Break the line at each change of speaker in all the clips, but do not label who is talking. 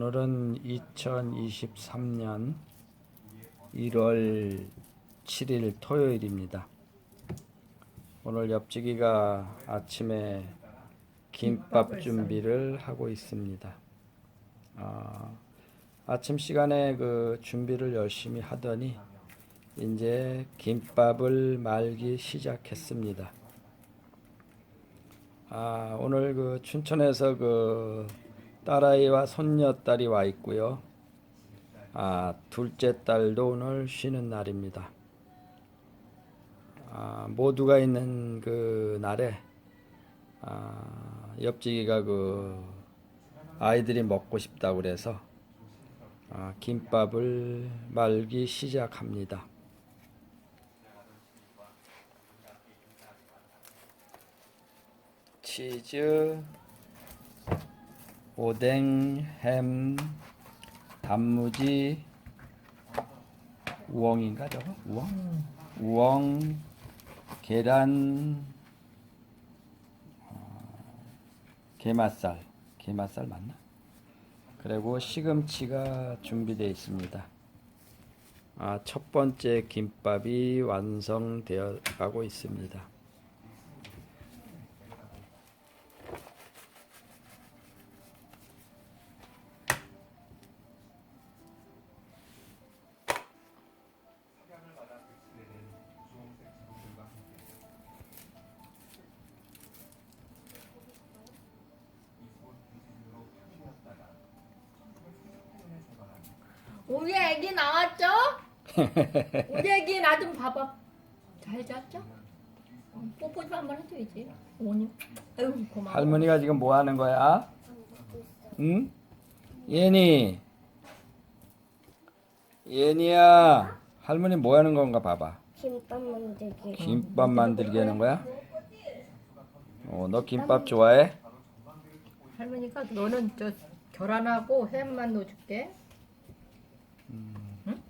오늘은 2023년 1월 7일 토요일입니다. 오늘 옆지기가 아침에 김밥 준비를 하고 있습니다. 아침 시간에 그 준비를 열심히 하더니 이제 김밥을 말기 시작했습니다. 오늘 그 춘천에서 그 딸아이와 손녀딸이 와 있고요. 둘째 딸도 오늘 쉬는 날입니다. 모두가 있는 그 날에 옆지기가 그 아이들이 먹고 싶다고 그래서 김밥을 말기 시작합니다. 치즈, 오뎅, 햄, 단무지, 우엉인가 저거? 우엉, 계란, 게맛살 맞나? 그리고 시금치가 준비되어 있습니다. 첫 번째 김밥이 완성되어 가고 있습니다.
우리 애기 나왔죠? 우리 애기 나 좀 봐봐. 잘 잤죠? 뽀뽀 좀 한번 해줘야지. 어머니. 아유 고마워.
할머니가 지금 뭐 하는 거야? 응? 예니야, 할머니 뭐 하는 건가 봐봐.
김밥 만들기.
김밥 만들게 하는 거야? 너 김밥 좋아해?
할머니가 너는 저 계란하고 햄만 넣어줄게. 응?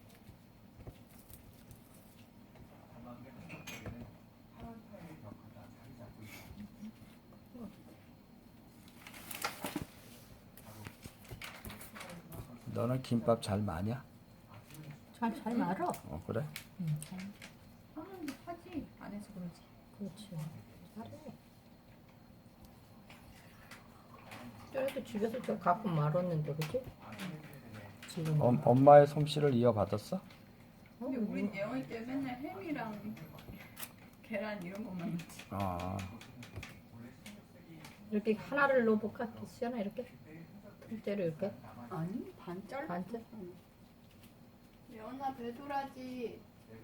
너는 김밥 잘 마냐?
잘 말어.
그래?
응, 잘.
하지 안 해서 그러지.
그렇지. 잘해. 저래도 집에서 저 갖고 말았는데, 그치? 지금.
엄마의 솜씨를 이어받았어?
근데 우린 예원이 때 맨날 햄이랑 계란 이런 것만 먹지.
이렇게 하나를 넣어볼까? 시연아 이렇게? 통째로 이렇게?
아니 반 잘라.
반째?
예원아 배도라지.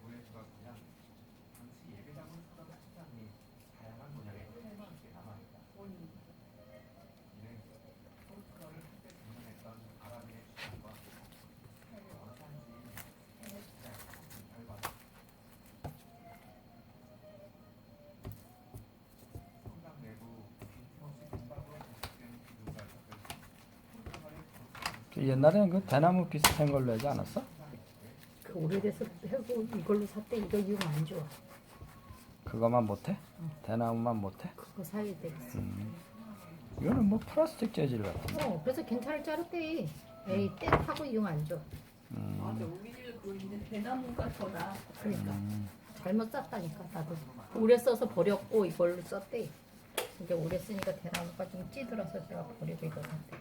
옛날에는 그 대나무 비슷한 걸로 하지 않았어?
그 오래돼서 해고 이걸로 샀대. 이거 이용 안 좋아.
그거만 못해? 대나무만 못해?
그거 사야 되겠어.
이거는 뭐 플라스틱 재질 같아.
그래서 괜찮을 줄 알았대. 에이, 때 타고 이용 안 좋아.
맞아 우리 집에 그거 있는데 대나무가 더 나.
그러니까. 잘못 샀다니까, 나도. 오래 써서 버렸고, 이걸로 썼대. 이게 오래 쓰니까 대나무가 좀 찌들어서 제가 버리고 이거 샀대.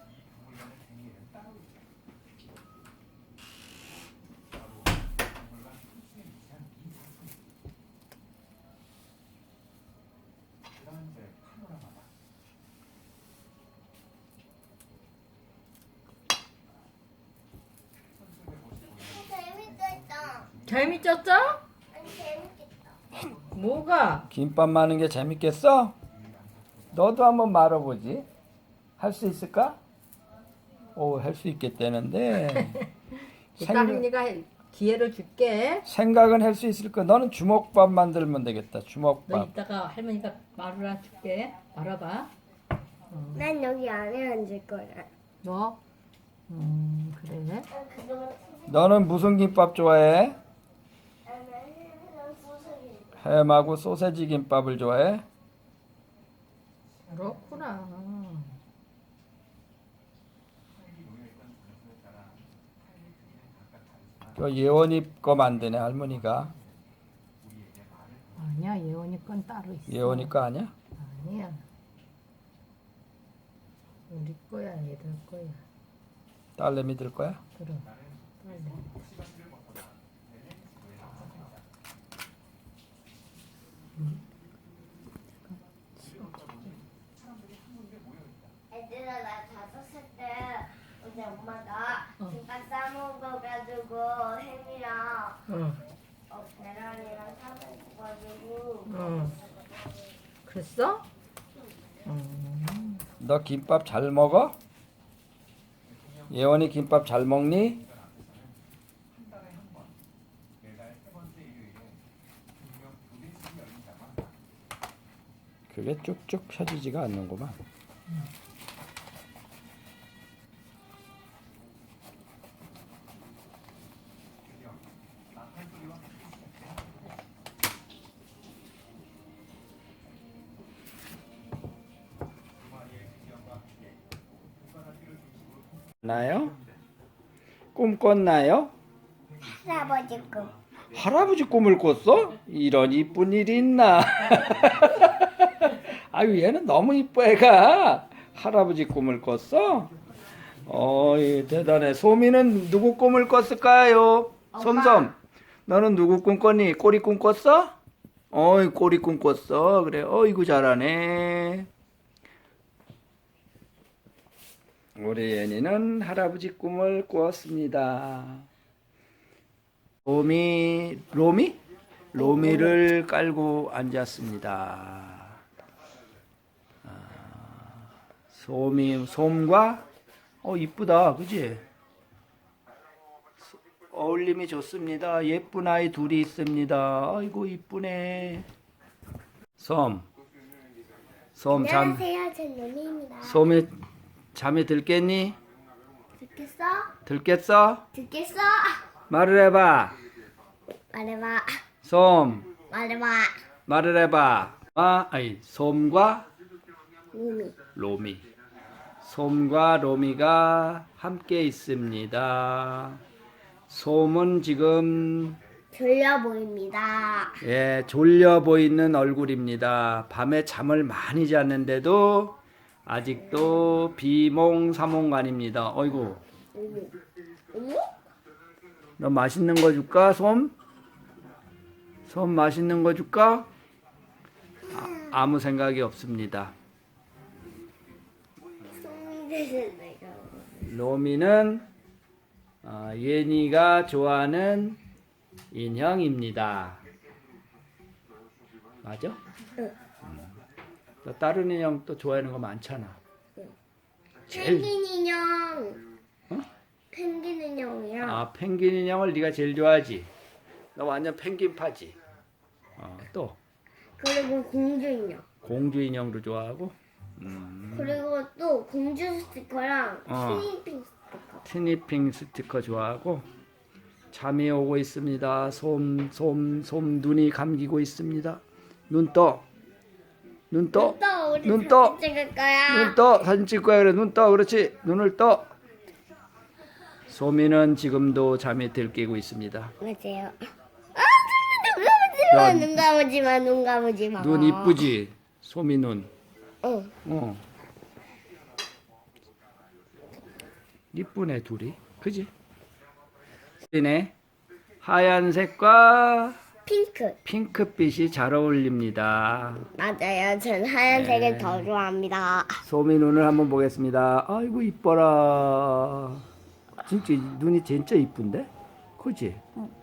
재밌겠다.
재밌었어?
아니 재밌겠다.
뭐가?
김밥 마는 게 재밌겠어? 너도 한번 말아보지. 할 수 있을까? 할 수 있겠다는데.
이따 할머니가 기회를 줄게.
생각은 할 수 있을 거야. 너는 주먹밥 만들면 되겠다.
너
주먹밥.
이따가 할머니가 말을 줄게. 말아봐.
난 여기 안에 앉을 거야.
너? 그래.
그동안
너는 무슨 김밥 좋아해?
나는 소세지.
햄하고 소세지 김밥을 좋아해?
그렇구나.
그 예원이 거 만드네 할머니가.
아니야, 예원이 건 따로 있어.
예원이 거 아니야?
아니야. 우리 거야, 얘들 거야.
딸내미 들 거야?
그럼. 빨리.
애들아 나 5살 때 우리 엄마가
어.
김밥 싸먹어가지고 햄이랑
응,
계란이랑 사먹어가지고
응. 그랬어?
너 김밥 잘 먹어? 예원이 김밥 잘 먹니? 그게 쭉쭉 펴지지가 않는구만. 나요? 꿈 꿨나요?
할아버지 거.
할아버지 꿈을 꿨어? 이런 이쁜 일이 있나? 아유 얘는 너무 이뻐 애가. 할아버지 꿈을 꿨어? 어이 대단해. 소미는 누구 꿈을 꿨을까요? 솜솜 너는 누구 꿈 꿨니? 꼬리 꿈 꿨어? 어이 꼬리 꿈 꿨어. 그래 어이구 잘하네. 우리 애니는 할아버지 꿈을 꾸었습니다. 로미를 깔고 앉았습니다. 솜과 이쁘다, 그지? 어울림이 좋습니다. 예쁜 아이 둘이 있습니다. 아이고 이쁘네. 솜
안녕하세요, 전 로미입니다.
솜이 잠이 들겠니?
듣겠어?
들겠어?
듣겠어?
말을 해봐.
말해봐.
솜
말해봐.
말을 해봐. 솜과
로미.
솜과 로미가 함께 있습니다. 솜은 지금
졸려 보입니다.
졸려 보이는 얼굴입니다. 밤에 잠을 많이 잤는데도 아직도 비몽사몽간입니다. 어이구,
어머?
너 맛있는 거 줄까, 솜? 솜 맛있는 거 줄까? 아무 생각이 없습니다.
손대는 내가.
로미는 예니가 좋아하는 인형입니다. 맞아?
응.
너 다른 인형 또 좋아하는 거 많잖아.
펭귄 인형.
어?
펭귄 인형이랑
펭귄 인형을 네가 제일 좋아하지. 너 완전 펭귄파지. 또
그리고 공주 인형.
공주 인형도 좋아하고.
그리고 또 공주 스티커랑
어.
티니핑 스티커.
티니핑 스티커 좋아하고. 잠이 오고 있습니다. 솜 눈이 감기고 있습니다. 눈 떠.
우리
눈 떠.
사진 찍을 거야.
눈 떠. 사진 찍을 거야. 그래. 눈 떠. 그렇지. 눈을 떠. 소미는 지금도 잠에 들깨고 있습니다.
맞아요.
야,
눈 감으지 마. 눈 감으지 마.
눈 이쁘지? 소미 눈.
응.
이쁘네 둘이. 그지? 네. 하얀색과
핑크.
핑크빛이 잘 어울립니다.
맞아요. 전 하얀색을
네.
더 좋아합니다.
소미 눈을 한번 보겠습니다. 아이고 이뻐라. 진짜 눈이 진짜 이쁜데? 그지?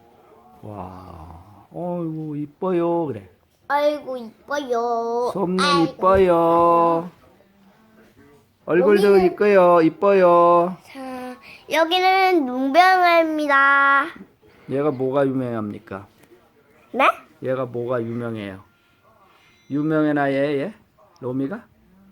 와. 어이구 이뻐요. 그래.
아이고 이뻐요.
솜눈
아이고.
이뻐요. 얼굴도
여기는-
이뻐요. 이뻐요.
자, 여기는 눈병아입니다.
얘가 뭐가 유명합니까?
네?
얘가 뭐가 유명해요? 유명해나 얘? 로미가?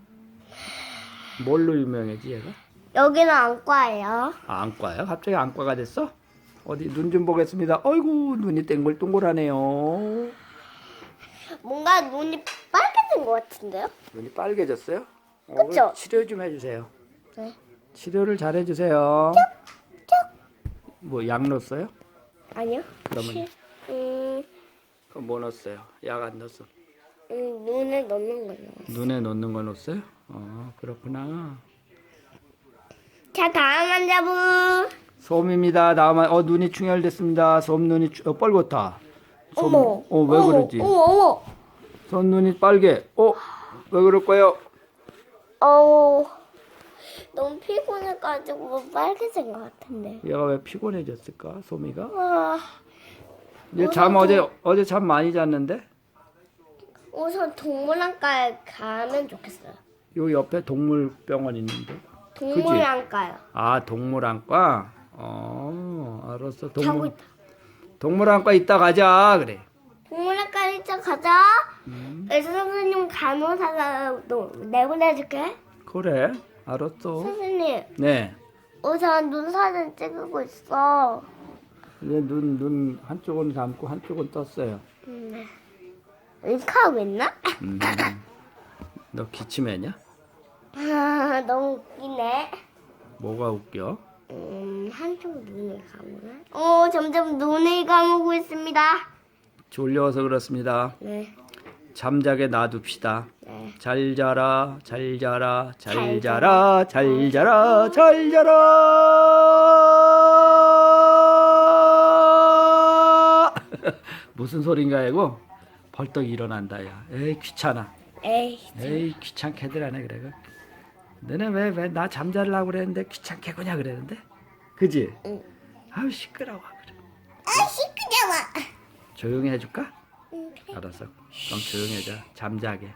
뭘로 유명해지 얘가?
여기는 안과예요.
안과요? 갑자기 안과가 됐어? 어디 눈 좀 보겠습니다. 어이구 눈이 땡글동글하네요.
뭔가 눈이 빨개진 것 같은데요?
눈이 빨개졌어요?
그쵸?
치료 좀 해주세요.
네.
치료를 잘 해주세요. 뭐 약 넣었어요?
아니요.
그러면
음,
그럼 뭐 넣었어요? 약 안 넣었어.
눈에 넣는 거요.
눈에 넣는 거 넣었어요? 그렇구나.
자, 다음 환자분.
솜입니다. 다음 눈이 충혈됐습니다. 솜 눈이 빨갛다. 솜,
어머.
왜
어머,
그러지?
어머, 어머.
솜 눈이 빨개. 왜 그럴까요?
너무 피곤해가지고 빨개진 것 같은데.
얘가 왜 피곤해졌을까? 솜이가?
와,
얘 잠 어제 잠 많이 잤는데?
우선 동물원가에 가면 좋겠어요.
요 옆에 동물병원 있는데.
동물원가요.
아, 동물안과? 알았어.
자고 있다.
동물안과 이따 가자. 그래.
동물원가 일찍 가자. 의사 선생님 간호사가 내보내줄게.
그래. 알았어.
선생님,
네.
우선 눈 사진 찍고 있어.
이제 눈 한쪽은 감고 한쪽은 떴어요.
윙크하고 있나?
너 기침했냐?
아, 너무 웃기네.
뭐가 웃겨?
한쪽 눈을 감으네. 점점 눈을 감고 있습니다.
졸려서 그렇습니다.
네.
잠자게 놔둡시다.
네.
잘 자라, 잘 자라, 잘
잘
자라, 잘 자라, 잘 자라. 무슨 소린가 이거? 벌떡 일어난다 야. 에이 귀찮아. 에이 귀찮게들 하네 그래. 너네 왜 나 잠자려고 그랬는데 귀찮게 그냐 그랬는데? 그지?
응.
아우 시끄러워 그래.
시끄러워.
조용히 해줄까?
응, 그래.
알았어. 그럼 조용히 해줘. 잠자게.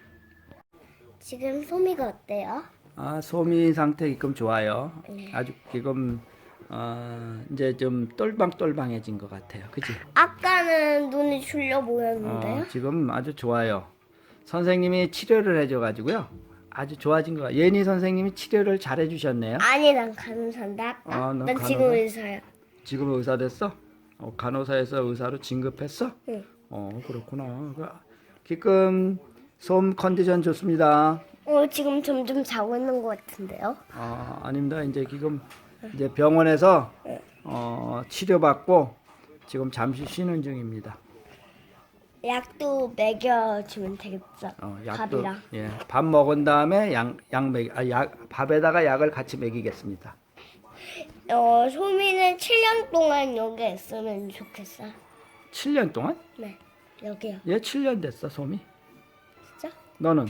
지금 소미가 어때요?
소미 상태 지금 좋아요. 아주 지금 이제 좀 똘방똘방해진 것 같아요. 그치?
아까는 눈이 줄려 보였는데요?
지금 아주 좋아요. 선생님이 치료를 해줘가지고요. 아주 좋아진 것 같아요. 예니 선생님이 치료를 잘 해주셨네요.
아니, 난 간호사인데 아까.
넌
난
간호사?
지금 의사야.
지금 의사 됐어? 간호사에서 의사로 진급했어?
응.
그렇구나. 지금 솜 컨디션 좋습니다.
지금 점점 자고 있는 것 같은데요?
아닙니다. 이제 지금 이제 병원에서 치료받고 지금 잠시 쉬는 중입니다.
약도 먹여주면 되겠죠?
약도
밥이랑.
예, 밥 먹은 다음에 밥에다가 약을 같이 먹이겠습니다.
소미는 7년 동안 여기에 있으면 좋겠어.
7년 동안?
네, 여기요.
얘 7년 됐어, 솜이.
진짜?
너는?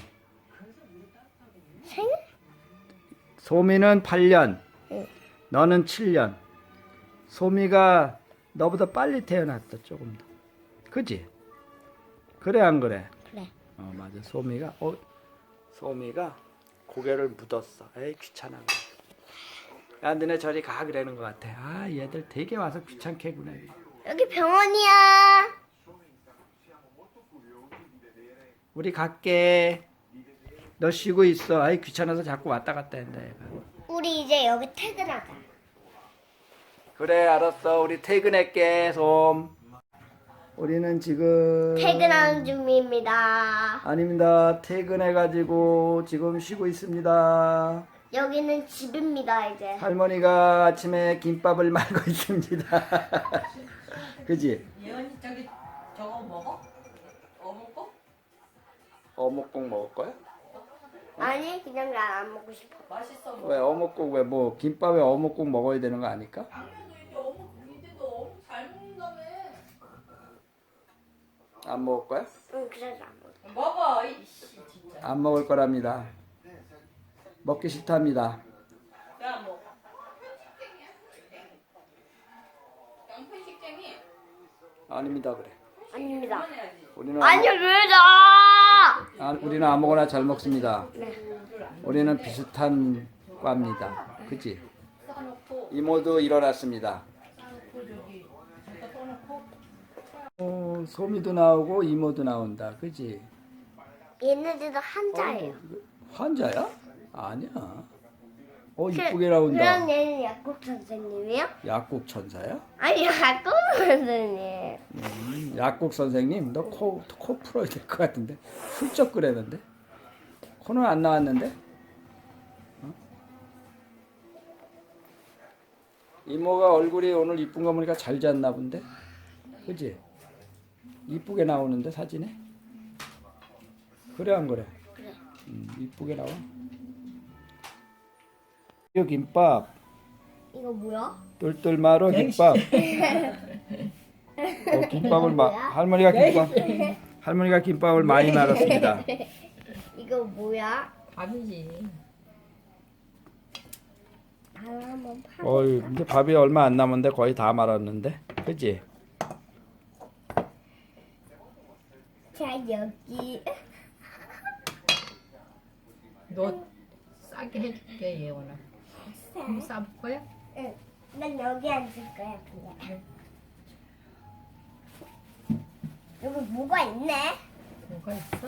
생일?
솜이는 8년.
응.
너는 7년. 솜이가 너보다 빨리 태어났어, 조금 더. 그지? 그래 안 그래?
그래.
맞아. 솜이가 고개를 묻었어. 에이 귀찮아. 야 너네 저리 가 그러는 것 같아. 얘들 되게 와서 귀찮게 구네.
여기 병원이야.
우리 갈게. 너 쉬고 있어. 아이 귀찮아서 자꾸 왔다 갔다 한다 얘가.
우리 이제 여기 퇴근하자.
그래 알았어. 우리 퇴근할게 솜. 우리는 지금
퇴근하는 중입니다.
아닙니다. 퇴근해가지고 지금 쉬고 있습니다.
여기는 집입니다, 이제.
할머니가 아침에 김밥을 말고 있습니다. 그지?
예언이 저거 먹어? 어묵국?
어묵국 먹을 거야?
아니, 그냥 난 안 먹고 싶어.
맛있어.
왜 어묵국 왜 뭐 김밥에 어묵국 먹어야 되는 거 아닐까?
이제 너 어묵 잘 먹는다며.
안 먹을 거야?
응, 그래서 안 먹어.
먹어 이씨 진짜.
안 먹을 거랍니다. 먹기 싫답니다.
야 먹어. 양푼 식쟁이.
아닙니다 그래.
아닙니다.
그만해야지.
우리는
아니, 왜죠?
우리는 아무거나 잘 먹습니다.
네.
우리는 비슷한 과입니다. 그치? 이모도 일어났습니다. 소미도 나오고 이모도 나온다. 그치?
얘네들도 한자예요.
환자야? 아니야. 이쁘게 나온다.
그럼 얘는 약국 선생님이요?
약국 천사야?
아니, 약국 선생님.
약국 선생님, 너 코 풀어야 될 것 같은데 훌쩍 그랬는데 코는 안 나왔는데? 이모가 얼굴이 오늘 이쁜 거 보니까 잘 잤나 본데? 그지? 이쁘게 나오는데 사진에? 그래 안 그래?
그래.
이쁘게 나와. 이 김밥,
이거 뭐야?
똘똘마루 김밥. 김밥을 할머니가 김밥을 많이 말았습니다.
이거 뭐야?
밥이지.
한번 파.
어이, 이제 밥이 얼마 안 남았는데 거의 다 말았는데, 그지?
자 여기.
너 싸게 해줄게 예원아. 한번 싸볼 거야?
응. 난 여기 앉을 거야 그냥. 여기 뭐가 있네?
뭐가 있어?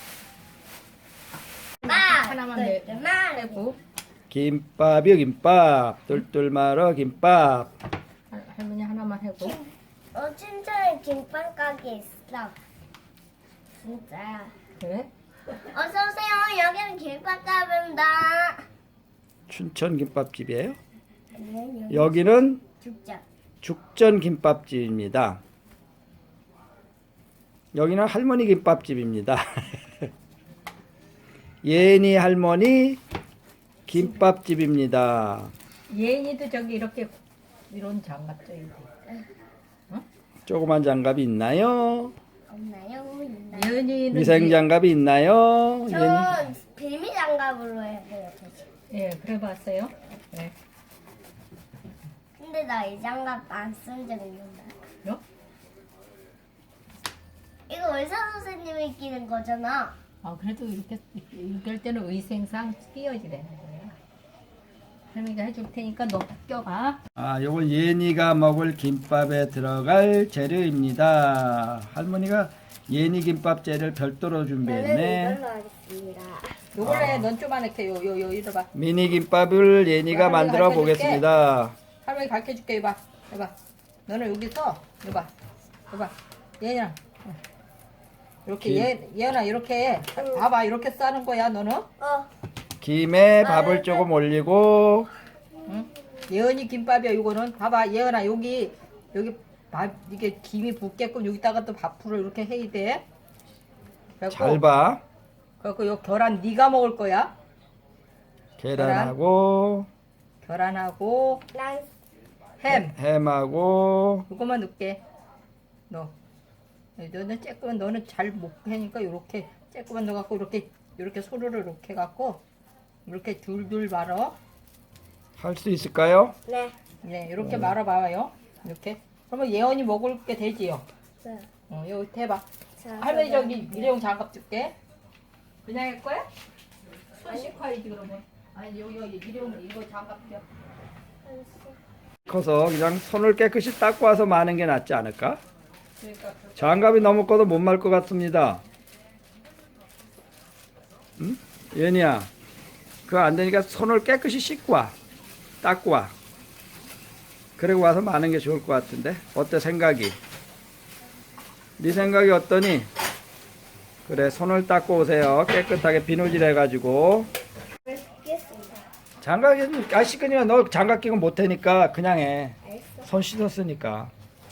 하나만 해고.
김밥이요 김밥, 똘똘마루 김밥.
할머니 하나만 해고.
춘천에 김밥 가게 있어. 진짜.
그래?
어서 오세요. 여기는 김밥 가게입니다.
춘천 김밥집이에요?
네,
여기는
죽자.
죽전 김밥집입니다. 여기는 할머니 김밥집입니다. 예니 할머니 김밥집입니다.
예인이도 저기 이렇게 이런 장갑 쪄야 돼.
조그만 장갑이 있나요?
없나요? 있나요?
예은이는
위생 장갑이 있나요? 예니?
전 빌미 장갑으로 해야 돼요.
예, 그래 봤어요. 네.
근데 나 이 장갑 안 쓴 적 있는데.
요?
이거 의사 선생님이 끼는 거잖아.
아, 그래도 이렇게 할 때는 위생상 끼워야 되는 거야. 할머니가 해줄 테니까 너 껴봐.
아, 요건 예니가 먹을 김밥에 들어갈 재료입니다. 할머니가 예니 김밥 재료를 별도로 준비했네.
이걸로 하겠습니다.
요걸로 해. 넌 쪼만하게 요 이러봐.
미니 김밥을 예니가
할머니가
만들어
가르쳐줄게.
보겠습니다.
할머니 가르쳐줄게. 이봐. 이봐. 너는 여기서 이봐. 이봐. 예은아. 이렇게 예은아 이렇게 봐봐. 이렇게 싸는 거야. 너는.
김에 밥을 조금 올리고
응? 예은이 김밥이야. 이거는 봐봐. 예은아 여기 밥 이게 김이 붓게끔 여기다가 또 밥풀을 이렇게 해야 돼.
잘 봐.
그리고 요 계란 네가 먹을 거야.
계란하고
계란하고
난
햄하고
이거만 넣게. 너는 쬐끄만 너는 잘 못 하니까 요렇게 쬐끄만 넣어갖고 이렇게 소르르 이렇게 해갖고 이렇게 둘둘 말어.
할 수 있을까요?
네.
네, 이렇게 말아봐요. 이렇게. 그러면 예언이 먹을 게 되지요.
네.
여기 대봐.
자,
할머니
그럼
저기 일회용 장갑 줄게. 그냥 할 거야? 손 씻고 해야지 그러면. 아니 여기 일회용 이거 장갑 줘.
커서 그냥 손을 깨끗이 닦고 와서 마는 게 낫지 않을까?
그러니까
장갑이 너무 커도 못 말 것 같습니다. 응? 예니야, 그거 안 되니까 손을 깨끗이 씻고 와. 닦고 와. 그리고 와서 마는 게 좋을 것 같은데. 어때 생각이? 네 생각이 어떠니? 그래, 손을 닦고 오세요. 깨끗하게 비누질 해가지고.
씻겠습니다.
장갑이 씻으니까 너 장갑 끼고 못하니까 그냥 해.
알겠어.
손 씻었으니까.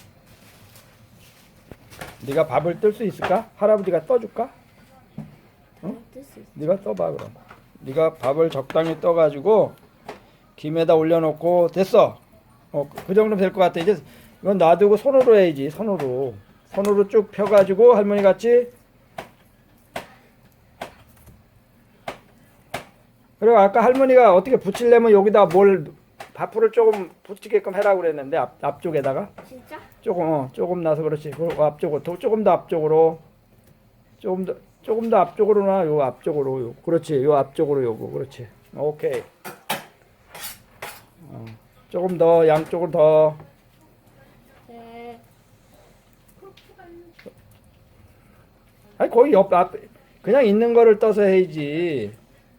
네가 밥을 뜰 수 있을까? 할아버지가 떠줄까?
뜰수 있어.
네가 떠봐 그럼. 네가 밥을 적당히 떠가지고 김에다 올려놓고 됐어. 그 정도면 될 것 같아. 이제 이건 놔두고 손으로 해야지. 손으로 쭉 펴가지고 할머니 같이. 그리고 아까 할머니가 어떻게 붙이려면 여기다 밥풀을 조금 붙이게끔 해라고 그랬는데 앞쪽에다가
진짜?
조금 나서 그렇지. 그리고 앞쪽으로 조금 더 앞쪽으로 조금 더 앞쪽으로나 요 앞쪽으로 요 그렇지. 요 앞쪽으로 요거 그렇지. 오케이. 조금 더 양쪽으로 더.
네.
아니 거기 앞 그냥 있는 거를 떠서 해야지.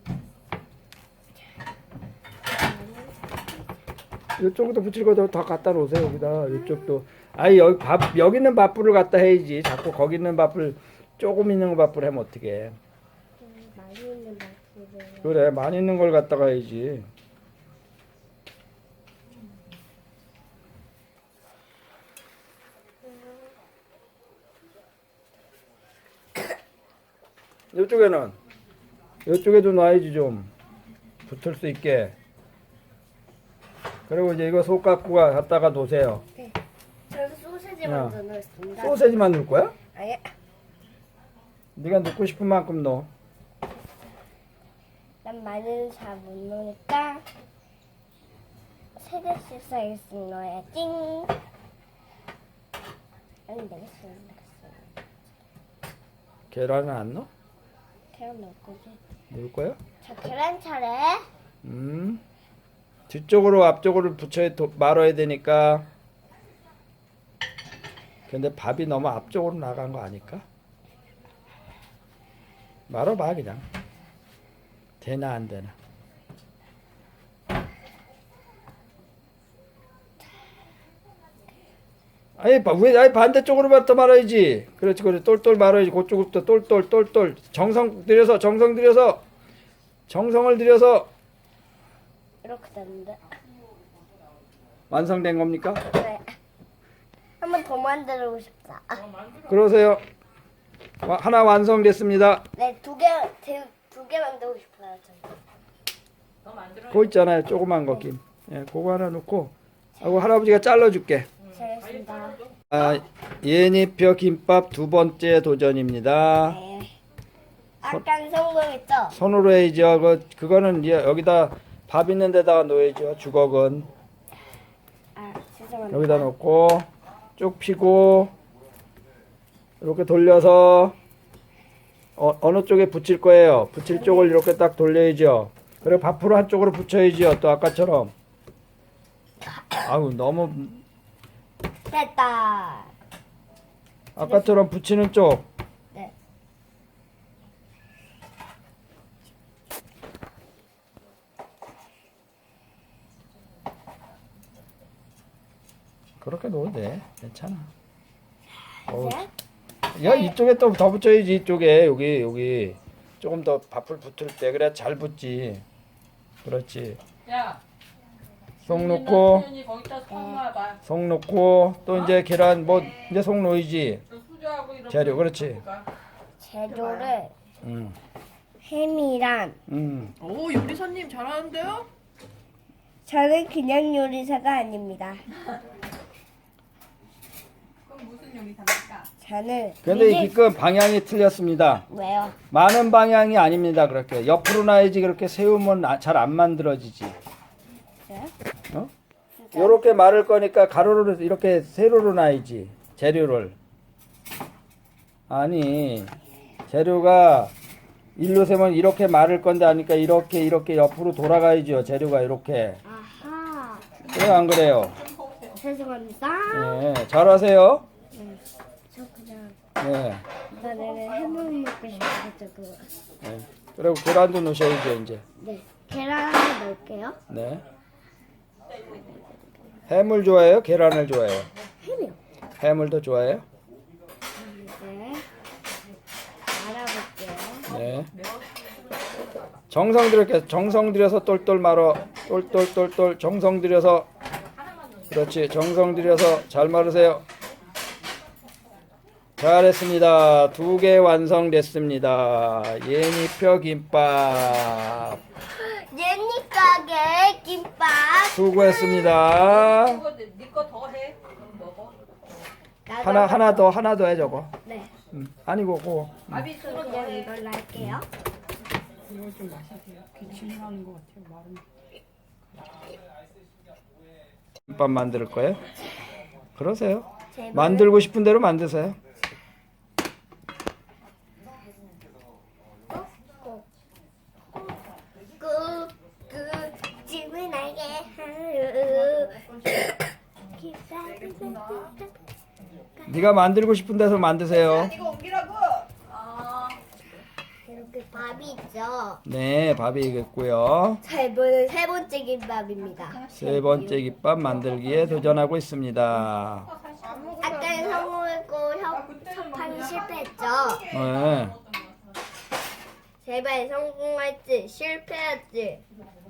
이쪽도 붙일 거더 갖다 놓으세요. 여기다 이쪽도. 아니 여기 있는 밥풀을 갖다 해야지. 자꾸 거기 있는 밥풀 조금 있는 거 밥풀 하면 어떡해.
많이 있는 맛이를.
그래 많이 있는 걸 갖다가 해야지. 이쪽에는 이쪽에도 놔야지 좀 붙을 수 있게. 그리고 이제 이거 속갖고가 갖다가 놓으세요.
저기 소세지
야.
먼저 넣겠습니다.
소세지만 넣을 거야?
아예.
네가 넣고 싶은 만큼 넣어.
난 마늘은 잘 못 넣으니까 3개씩 사이즈 넣어야지. 아니 4개씩 넣겠어.
계란은 안 넣어?
계란 넣을 거지.
넣을 거야?
자, 계란 차례.
뒤쪽으로 앞쪽으로 말아야 되니까. 근데 밥이 너무 앞쪽으로 나간 거 아닐까? 말아봐 그냥. 되나 안 되나. 아니 반대쪽으로부터 말아야지. 그렇지 그래 똘똘 말아야지. 그쪽부터 똘똘 정성 들여서 정성을 들여서
이렇게 됐는데.
완성된 겁니까?
네. 한 번 더 만들고 싶다.
그러세요. 하나 완성됐습니다.
네, 두 개 만들고 싶어요. 저는.
그거 있잖아요. 조그만 거 김. 예, 그거 하나 놓고 하고 할아버지가 잘라줄게.
잘했습니다.
예니표 김밥 두 번째 도전입니다.
네. 아까 성공했죠?
손으로 해야죠. 그거는 이제 여기다 밥 있는 데다가 놓아야죠. 주걱은
아, 죄송합니다.
여기다 놓고 쭉 피고 이렇게 돌려서 어느 쪽에 붙일 거예요. 붙일 쪽을 이렇게 딱 돌려야죠. 그리고 밥으로 한쪽으로 붙여야죠. 또 아까처럼. 아우 너무
됐다.
아까처럼 붙이는 쪽.
네.
그렇게 놓으면 돼. 괜찮아. 어우,
이제
야 이쪽에 또 더 붙여야지. 이쪽에 여기 조금 더 밥을 붙을 때 그래 잘 붙지. 그렇지.
야,
속 넣고
수연이 거기다 손 놔봐.
속 넣고 또 이제 계란 뭐 이제 속 넣어야지.
저 수저하고 이렇게.
재료, 그렇지.
넣어볼까?
재료를
음.
햄이랑
오 요리사님 잘하는데요?
저는 그냥 요리사가 아닙니다.
그럼 무슨 요리사입니까?
저는
근데
이게-
이 기껏 방향이 틀렸습니다.
왜요?
많은 방향이 아닙니다. 그렇게 옆으로 놔야지. 그렇게 세우면 잘 안 만들어지지.
네?
어?
진짜?
요렇게 말을 거니까 가로로 이렇게 세로로 놔야지. 재료를. 아니 재료가 일로 세면 이렇게 말을 건데 하니까 이렇게 옆으로 돌아가야죠. 재료가 이렇게.
아하.
왜 안 그래요?
죄송합니다.
네, 잘하세요.
저 그냥
네.
나는 햄을 먹고 싶어가지고.
네. 그리고 계란도 넣으셔야죠 이제.
네. 계란 하나 넣을게요.
네. 해물 좋아해요? 계란을 좋아해요?
햄이요.
해물 더 좋아해요?
네. 알아볼게요.
네. 정성 들여서 똘똘 말어. 똘똘 정성 들여서. 그렇지. 정성 들여서 잘 말으세요. 잘했습니다. 2개 완성됐습니다. 예니표 김밥.
예니 가게 김밥.
수고했습니다.
니거 더 해. 그럼 먹어.
하나 더 해 저거.
네.
아니고 그거.
밥이 있어서 더
그냥
해.
이걸로 할게요.
김밥 만들 거예요? 그러세요.
제발.
만들고 싶은 대로 만드세요.
꾹꾹 집을 나게 하루.
네가 만들고 싶은 데서 만드세요.
이거 옮기라고. 아,
이렇게 밥이 있죠.
네, 밥이 있고요.
자, 이번엔 세 번째 김밥입니다.
세 번째 김밥 만들기에 도전하고 있습니다.
아까 성공했고 협판 실패했죠.
네.
제발 성공할지 실패할지.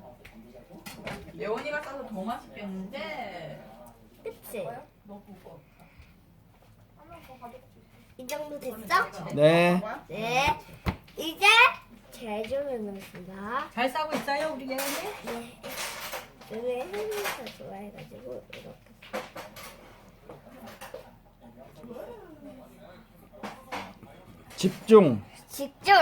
예원이가 싸서 더 맛있겠는데.
그치?
너 그거.
이 정도 됐죠?
네.
네. 이제 제주를 넣습니다.
잘 싸고 있어요 우리 예언이?
네. 왜 햄을 좋아해가지고 이렇게.
집중.
집중.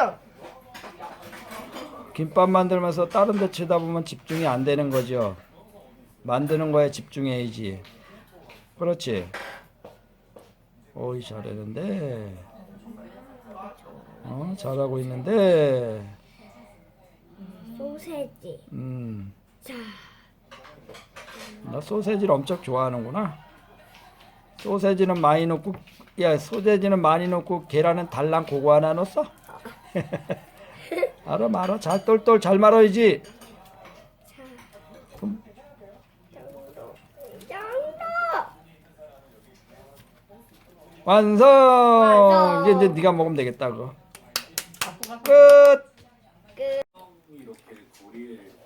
김밥 만들면서 다른 데 쳐다보면 집중이 안 되는 거죠. 만드는 거에 집중해야지. 그렇지. 오이 잘하는데. 잘하고 있는데.
소세지. 자,
너 소세지를 엄청 좋아하는구나. 소세지는 많이 넣고, 야, 소세지는 많이 넣고 계란은 달랑 그거 하나 넣었어? 알아, 말아. 잘 똘똘 잘 말아야지.
자,
좀
이 정도.
완성.
완성.
이제 네가 먹으면 되겠다 그거.
갖고 가.
끝.
끝.
이렇게 고리를